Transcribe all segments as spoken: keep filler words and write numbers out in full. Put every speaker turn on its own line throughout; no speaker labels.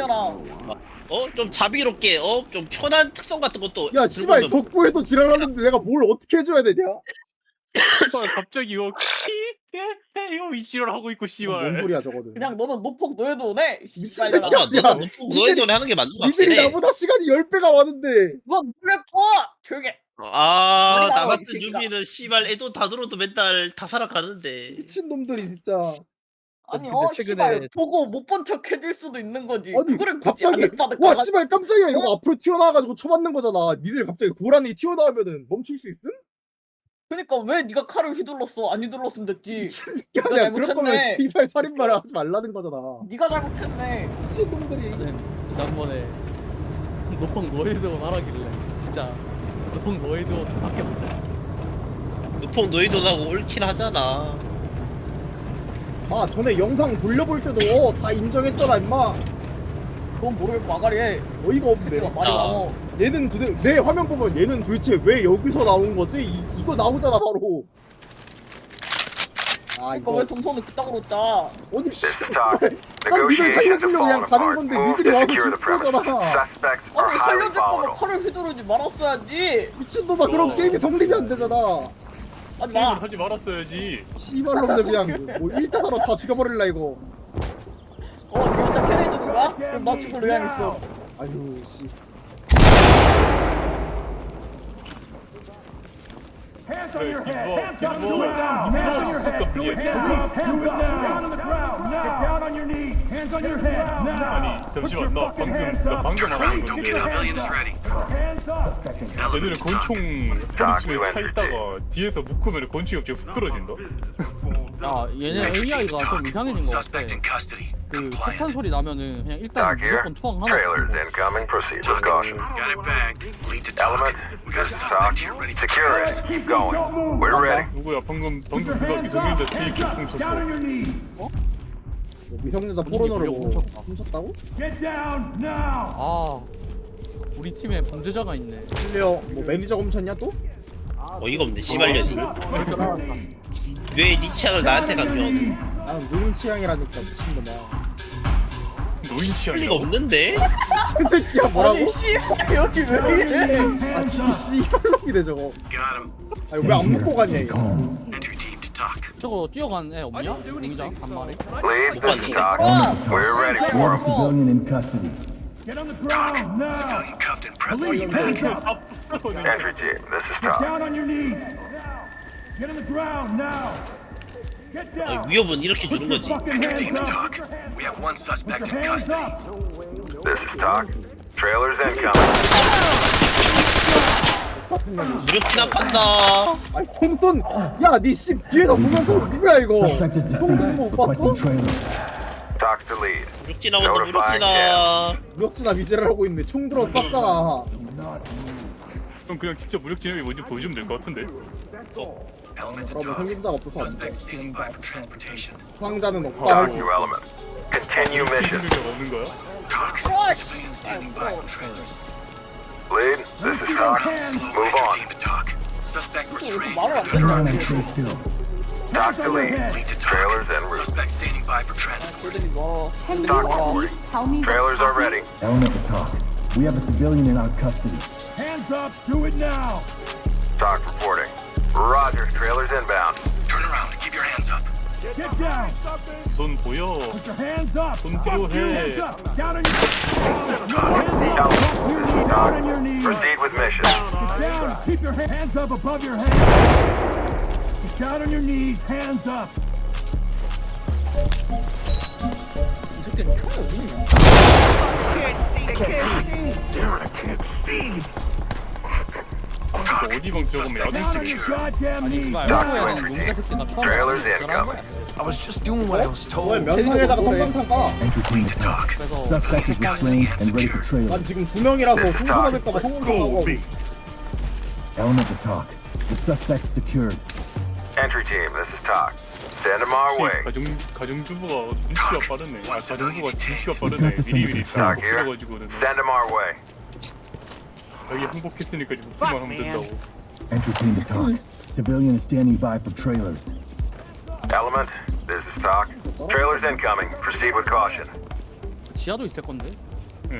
미친년아.
어? 좀 자비롭게 어? 좀 편한 특성 같은 것도
야 씨발
들고 오면-
덕구에도 지랄하는데 내가 뭘 어떻게 해줘야 되냐?
씨발 갑자기 이거 키테 이거 위치를 하고 있고
뭔
씨발.
소리야 저거는.
그냥 너는 노폭 노예도 돼.
미친
씨발년아.
새끼야.
맞아
야,
너는 너의 돈에 하는 게 맞는 것 같긴
니들이
해.
나보다 시간이 열 배가 많은데.
그건 그랬고 조용히 해.
아,
빨리
나
나와, 이
같은
새끼가.
유비는 씨발 애돈 다 들어도 맨날 다 살아가는데.
미친 놈들이 진짜.
아니
근데
어
최근에-
씨발 보고 못 본 척 해줄 수도 있는 거지.
아니
그거를 굳이 안
갑자기
받을까?
와 씨발 깜짝이야 이러고 앞으로 튀어나와가지고 쳐맞는 거잖아. 니들 갑자기 고라니 튀어나오면은 멈출 수 있음?
그러니까 왜 네가 칼을 휘둘렀어? 안 휘둘렀으면 됐지.
미친 게
이거
아니야. 그럴 거면
잘못했네.
씨발 살인마를 하지 말라는 거잖아.
네가 잘못했네.
미친 놈들이.
나는 지난번에 노펑 노예드원 하라길래 진짜 노펑 노예드원 밖에 못했어.
누폭 너의 돈하고 옳긴 하잖아.
아 전에 영상 돌려볼 때도 어, 다 인정했잖아 임마.
그건 모르겠고 마가리 해.
어이가 없네.
새끼가 말이
아.
많어.
얘는 도대 내 화면 보면 얘는 도대체 왜 여기서 나온 거지? 이, 이거 나오잖아 바로. 아
그러니까
이거
왜 동선을 그따구로 짜?
어디
This is
씨발
Talk.
난 니들
Negotiations have
살려주려고 그냥
fallen
가는
apart.
건데
Move
니들이
to
와서
secure the
죽
premises.
거잖아.
Suspects are
아니
highly
살려줄 거면
volatile.
칼을 휘두르지 말았어야지.
미친놈아 그런
어.
게임이 성립이 안 되잖아.
하지
게임을
마.
하지 말았어야지.
씨발놈들 그냥 뭐 일타사로 다 죽여버릴라 이거.
어 진짜 캐내주는 거야? 그럼 나 죽을 의향 있어.
아유 씨.
Hands on
Hey,
your
keep
head.
up,
Hands
keep
up. Do it
up.
now. Hands on your
Suck
head.
up,
Do it
yeah.
now. Hands up. Down on the ground now. Get down on your knees. Hands on your head now.
아니
Put your
잠시만 나
fucking
방금
hands
나
up.
방금 안 한 건데.
Put your hands up. Hands up.
얘네는 권총 허리춤에 차 있다가 뒤에서 묶으면 권총이 갑자기 훅 떨어진다.
아 얘네 에이아이가 좀 이상해진 것 같아. 그 폭탄 소리 나면은 그냥 일단
Talk here.
무조건 초항 하나
Trailers
고
incoming. Proceed with caution.
Got it bagged. Lead to talk.
Element.
We got a
This is
suspect
Talk.
here ready to
Secure it. Keep going. We're ready.
누구야 방금 방금 누가 미성년자 뒤에 총
Down on
쳤어.
your knees.
뭐 미성년자
분위기
포르노를 뭐
보려고 훔쳤다.
훔쳤다고?
Get down now.
아 우리 팀에 범죄자가 있네.
실례요. 뭐 매니저가 훔쳤냐 또?
어이가 없네 씨발년이. 왜 니 취향을 나한테 가면
나는 노인 취향이라니까 미친놈아.
노인
할
취향이야.
리가 없는데?
미친 새끼야 뭐라고?
아니 씨발 여기 왜 이래?
아 진짜 씨발놈이네 저거.
Got him.
아니 왜 안 먹고 갔냐 이거.
Entry team to talk.
저거 뛰어간 애 없냐? 용의자 한 마리.
Lead. This is Talk.
어.
We're ready for him.
Civilian in custody. Get on the ground now.
Civilian cuffed and prep.
Police handcuffed.
다 부숴버리네.
Entry team. This is
Get
Talk.
down on your knees. Get on the ground now. Get
아,
down.
위협은 이렇게 주는
Put your
거지.
fucking
Entry team to
hands
talk.
up.
We have one suspect
Put your
in
hands
custody.
up.
This is Talk. Trailers incoming.
무력지나 판다.
아니 톰돈 야니씨 뒤에다 보면서 누구야 이거? 톰돈 못 봤어?
Talk to lead.
무력지나 온다 무력지나.
무역지나 미제를 하고 있는데 총 들어 쐈잖아.
그럼 그냥 진짜 무력 진압이 뭔지 보여주면 될 것 같은데.
Element to
그러면
talk.
생긴자가 없어서 안 돼.
Suspect standing by for transportation.
수상자는 없다
Talk
할수
to
있어.
element. Continue mission.
생존자가 없는 거야?
Talk.
크러쉬.
Civilian standing by for trailers.
Lead. This is Talk.
Slow
Move
entry
on.
team to talk. Suspect restrained.
말을 안 듣는
Talk to lead.
Lead to talk.
Trailers en route.
Suspect standing by for transport.
애들이 뭐
Talk reporting. Trailers are ready.
Element to talk. We have a civilian in our custody.
Hands up. Do it now.
Talk reporting. Roger. Trailers inbound.
Turn around. Keep your hands up.
Get down.
손 보여.
Put your hands up.
손 필요해.
Hands up. Down on your
Talk.
Down on your knees.
Proceed with mission.
Get down. Keep your hands up above your head. Get down on your knees. Hands up.
이 새끼는 총이 어디 있냐?
어디 방 들어가면
Down on
야동집이네.
your goddamn knees.
씨발
Talk
한국에
to
있는
entry
용의자
team.
새끼가 처음
Trailers
와서 전화한 거야.
incoming.
I was just doing what I was
왜
told.
면상에다가 깜깜상 까?
Entry team to talk.
그래서
Suspect is restrained and ready for trailer.
난 지금 두 명이라서 홍수가 될까봐 성공하고
Element to talk. The suspect secured.
Entry team. This is Talk. Send them our way.
가정 가정주부가 눈치가 빠르네. 아 가정부가 눈치가 빠르네. 미리미리 다
Talk here.
풀어가지고는
Send them our way.
자기 행복했으니까 이제 웃기만 하면 된다고.
Entry team to talk. Civilian is standing by for trailers.
Element. This is Talk. Trailers incoming. Proceed with caution.
지하도 있을 건데.
응.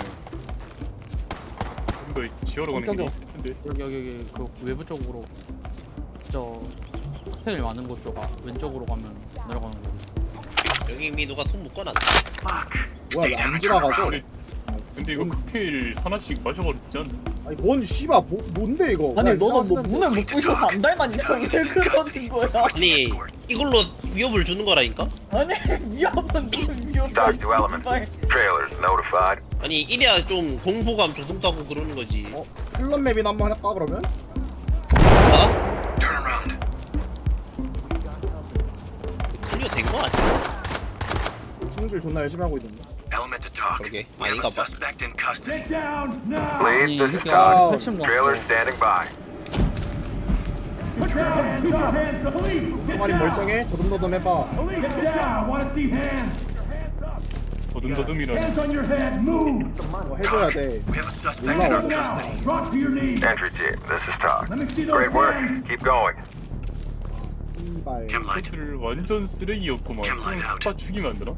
이거 지하로 가는 길이 있을 텐데.
여기 여기 여기 그 외부 쪽으로 저 호텔 많은 곳 쪽 아, 왼쪽으로 가면 내려가는 거.
여기 이미 누가 손 묶어놨다.
뭐야 왜 안 지나가죠?
아니, 근데 이거 칵테일 하나씩 마셔봐도 되지 않나?
아니 뭔 씨발 뭐, 뭔데 이거?
아니
그냥
너는 뭐
지나가시는
문을 못 부셔서 안 닮았냐? 왜 그러는 거야?
아니 이걸로 위협을 주는 거라니까?
아니 위험한 무슨 위험한
Talk to element. Trailers notified.
아니 이래야 좀 공포감 조성도 하고 그러는 거지.
어? 클럽 맵이나 한번 할까 그러면?
아?
Turn around.
클리어 된거 아니야?
총질 존나 열심히 하고 있는데.
Element to talk.
Okay,
We have a
아닌가 봐.
suspect in custody.
Get down now.
Lead, this is
이게
Talk.
핵심
Trailer
났어.
standing by.
Put your hands up. Hands up. Police, get
가만히
down.
멀쩡해? 더듬더듬 해봐.
Police, get down. Want to see hands? Hands up. Hands
더듬더듬이라니.
on your head. Move.
뭐 해줘야 돼.
We have a suspect in our
올라오고.
custody.
Drop to your knees.
Entry team, this is Talk.
Let me see those
Great work.
hands.
Keep going.
씨발.
Chem light.
들 완전 쓰레기였구만.
Chem light
그냥
out.
다 죽이면 안 되나?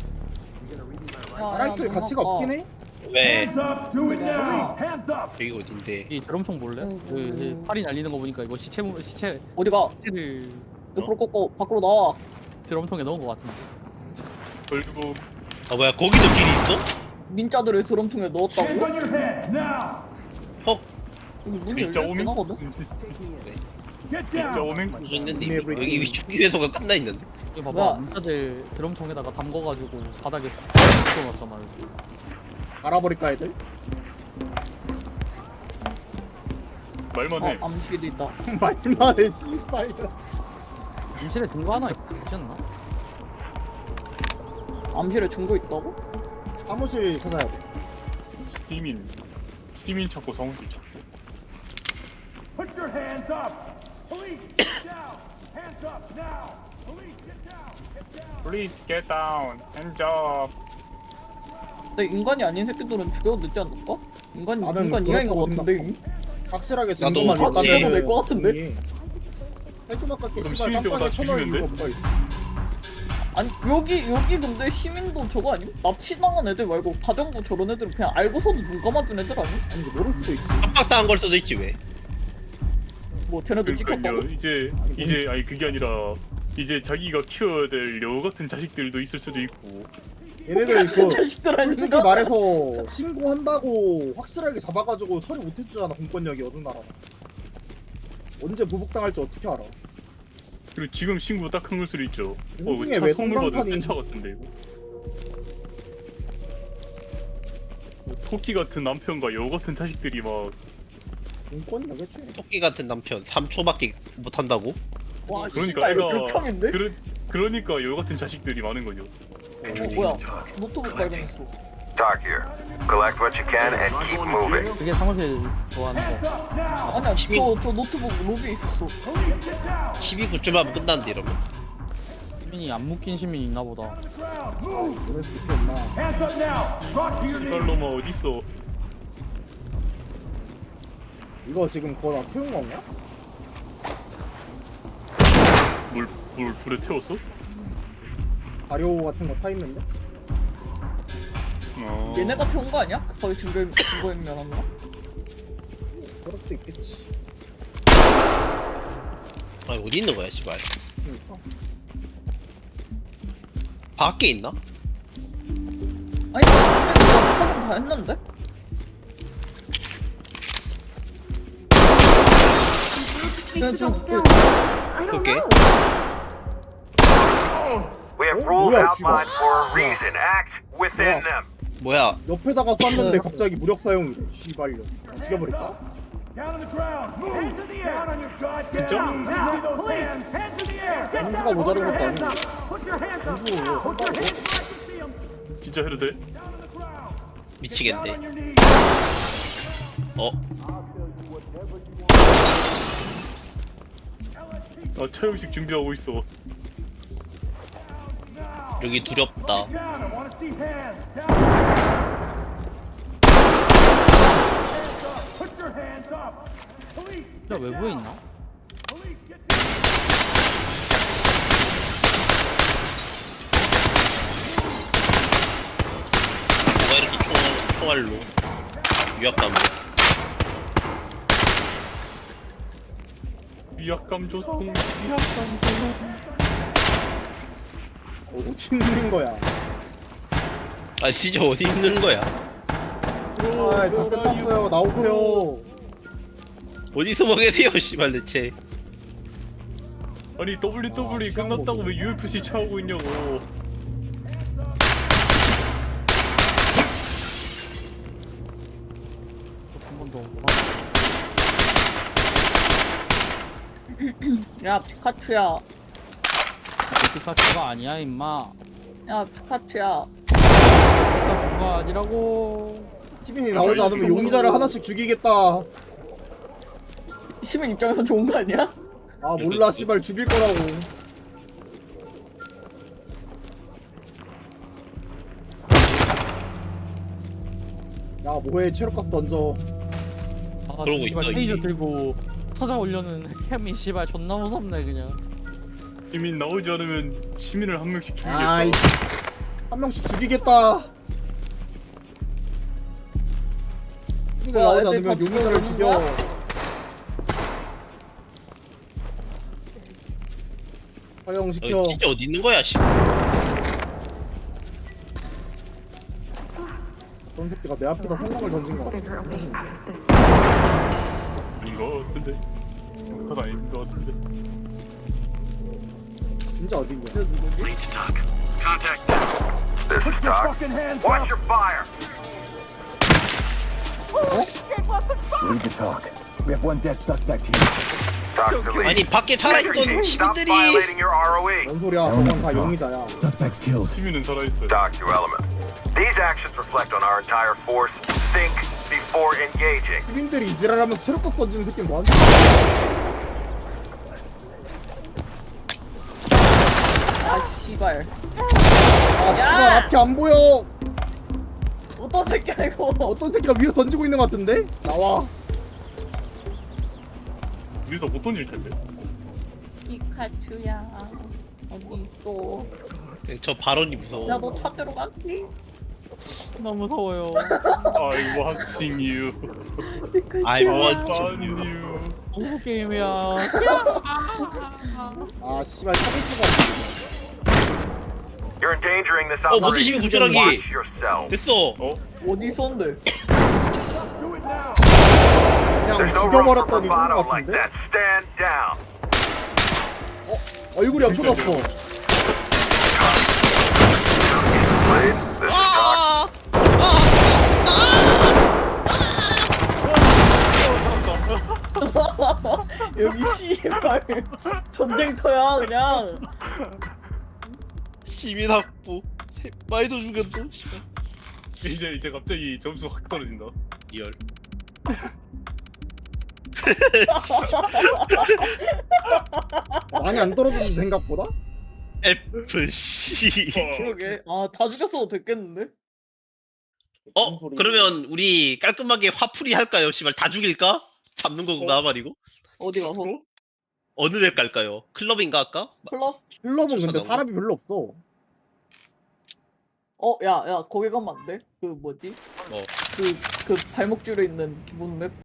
라이트 가치가 없긴 해?
왜?
Hands up. Do it now. Hands up.
여기 어딘데?
이 드럼통 볼래? 그 이제 팔이 날리는 거 보니까 이거 시체 모- 시체
어디가?
시체를
옆으로 꺾고 밖으로 나와.
드럼통에 넣은 거 같은데.
결국
아 뭐야 거기도 길이 있어?
민자들을 드럼통에
hands
넣었다고?
on your head now.
헉
여기 문이
진짜
열렸긴
오맹?
하거든?
Get
네.
down. 진짜 오맹?
무슨 있는데
이메일
이미? 여기 위촉기 회소가 끝나 있는데?
이거
뭐야?
봐봐 민자들 드럼통에다가 담궈가지고 바닥에 놓았단 말이야.
알아버릴까 애들?
말만
어
해.
암시계도 있다.
말만 해 씨발.
임실에 증거 하나 있지 않나?
암시에 증거 있다고?
사무실 찾아야 돼.
스티민. 스티민 찾고 성우실 찾고. Put your hands up. Police, get down. Hands up now. Police, get down. Get down. Please get down. Hands up.
근데 인간이 아닌 새끼들은 죽여도 되지 않을까? 인간
나는
인간 이하인 것
그렇다고
같은데 이미?
확실하게
나도
증거만
같이
있다면은
해도 될것 같은데?
깔끔하게
그럼
씨발
시민들과
깜빡이
다
쳐넣을
죽이면
이유가
돼?
뭐가 있어?
아니 여기 여기 근데 시민도 저거 아니? 납치당한 애들 말고 가정부 저런 애들은 그냥 알고서도 눈 감아준 애들 아니?
아니 모를 수도 있지.
압박당한 걸 수도 있지 왜?
뭐 쟤네들 찍혔다고?
그러니까요. 이제 이제 아니 그게 아니라 이제 자기가 키워야 될 여우 같은 자식들도 있을 수도 있고.
얘네들 그
자식들
솔직히
아닌가?
말해서 신고한다고 확실하게 잡아가지고 처리 못해주잖아 공권력이 어느 나라. 언제 보복당할지 어떻게 알아?
그리고 지금 신고 딱 한 걸 수도 있죠. 어,
공중에
이거
왜
차 선물 받은
성광탄이-
센차 같은데 이거. 뭐 토끼 같은 남편과 여우 같은 자식들이 막
공권력 애초에.
토끼 같은 남편 삼 초밖에 못 한다고?
와
그러니까
씨발 이거
애가
극혐인데?
그러, 그러니까 여우 같은 자식들이 많은 거죠.
어 뭐야 노트북 발견했어.
Talk here. Collect what you can and keep moving.
그게 사무실 좋아하는 거.
아니야 저, 저 노트북 로비에 있었어.
십이 구쯤 하면 끝나는데 이러면?
시민이 안 묶인 시민이 있나 보다.
그럴 수 있겠나?
Hands up now. Drop to your knees. 이발로마 어딨어?
이거 지금 그거 다 태운 건가?
물, 물 불에 태웠어?
발효 같은 거 타 있는데?
어.
얘네가 태운 거 아니야? 거의 증거 증거인멸한 거?
그럴 수도 있겠지.
아니 어디 있는 거야 씨발?
그러니까.
밖에 있나?
아니 나 확인 다 했는데? 그냥 좀 그,
그게?
We have
Oh,
rules
뭐야,
outlined for a reason. Act within them.
뭐야?
옆에다가 쐈는데 갑자기 무력 사용이래. 씨발려. 죽여버릴까?
Down on the ground. Move. Hands in the air. Down on your goddamn knees. Now, police. Hands in the air. Get
공부가
down.
모자른 것도
Hands
아니고.
up. Put your hands up.
공부
Put your hands
한다고.
where I can see 'em. 진짜 해도 돼? Down on the ground. Down
미치겠네.
on your knees.
어?
아, 차영식 준비하고 있어.
여기 두렵다.
Down. I want to see hands. Down. Hands up. Put your hands up. Police.
진짜 외부에 있나?
Police, get down.
누가 이렇게 총, 총 총알로 위압감으로.
위압감 조성, 위압감 조성.
어디 있는 거야?
아 진짜 어디 있는 거야?
아, 다 끝났어요. 나오세요.
어디서 뭐 계세요 씨발 대체.
아니 더블유 더블유 E
시간
끝났다고
보고.
왜 유에프씨 차오고 있냐고.
한 번 더.
야 피카츄야.
피카츄가 아니야 임마.
야 피카츄야.
피카츄가 아니라고.
시민이 나오지 않으면 용의자를 하나씩 죽이겠다.
시민 입장에서 좋은 거 아니야?
아 몰라 씨발 죽일 거라고. 야 뭐해 체력가스 던져.
아,
그러고
씨발
있어,
페이저
이게.
들고 찾아 올려는 캠이 씨발 존나 무섭네 그냥.
시민 나오지 않으면 시민을 한 명씩 죽이겠다.
아이 한 명씩 죽이겠다. 시민이
와,
나오지
애들
않으면
다
용의자를
죽어오는
죽여.
거야?
허용시켜.
어, 진짜 어디 있는 거야 씨.
그런 새끼가 내 앞에다 성공을 던진 거 같아.
아닌 거 같은데. 탓 아닌 거 같은데.
진짜 어딘 거야?
Lead to talk. Contact down.
This is Doc. Watch your fire.
Lead the talk. We have one dead suspect here.
Doc to lead.
아니 밖에 살아있던
Stop
시민들이
violating your R O E.
뭔 소리야? 저건 다 용의자야.
Suspect killed.
시민은 살아있어요.
Doc to Element. These actions reflect on our entire force. Think before engaging.
시민들이 이지랄하면서 체력가스 던지는 새끼는 뭐하는
아 씨발.
아 씨발 앞이 안 보여.
어떤 새끼야 이거.
어떤 새끼가 위에서 던지고 있는 것 같은데? 나와.
우리도 못 던질 텐데.
피카츄야. 어디 있어?
저 발언이 무서워.
야 너 찾으러 갈게.
너무 무서워요.
I watching you.
피카츄야.
I want
Watching
you.
you.
공포 게임이야.
아 씨발 찾을 수가 없네.
You're endangering this
어, 무슨 시민
operation.
구조라기.
Watch yourself.
됐어.
어?
어디 있었는데?
그냥
There's no room for
죽여버렸더니 그런
bravado
것
like
같은데?
that. Stand down.
얼굴이 엄청 아파.
Please. This is Doc.
아!
여기 씨발 전쟁터야 그냥.
시민 확보. 많이도 죽였어. 씨발.
이제 이제 갑자기 점수 확 떨어진다.
리얼.
많이 안 떨어졌는데 생각보다?
에프씨.
그러게. 아 다 죽였어도 됐겠는데?
어? 그러면 우리 깔끔하게 화풀이 할까요? 씨발 다 죽일까? 잡는 거고 나발이고.
어디 가서?
어느 데 깔까요? 클럽인가 할까?
클럽?
클럽은 근데
좋잖아.
사람이 별로 없어.
어, 야, 야, 거기 가면 안 돼? 그 뭐지?
어.
그, 그 발목 줄에 있는 기본 맵?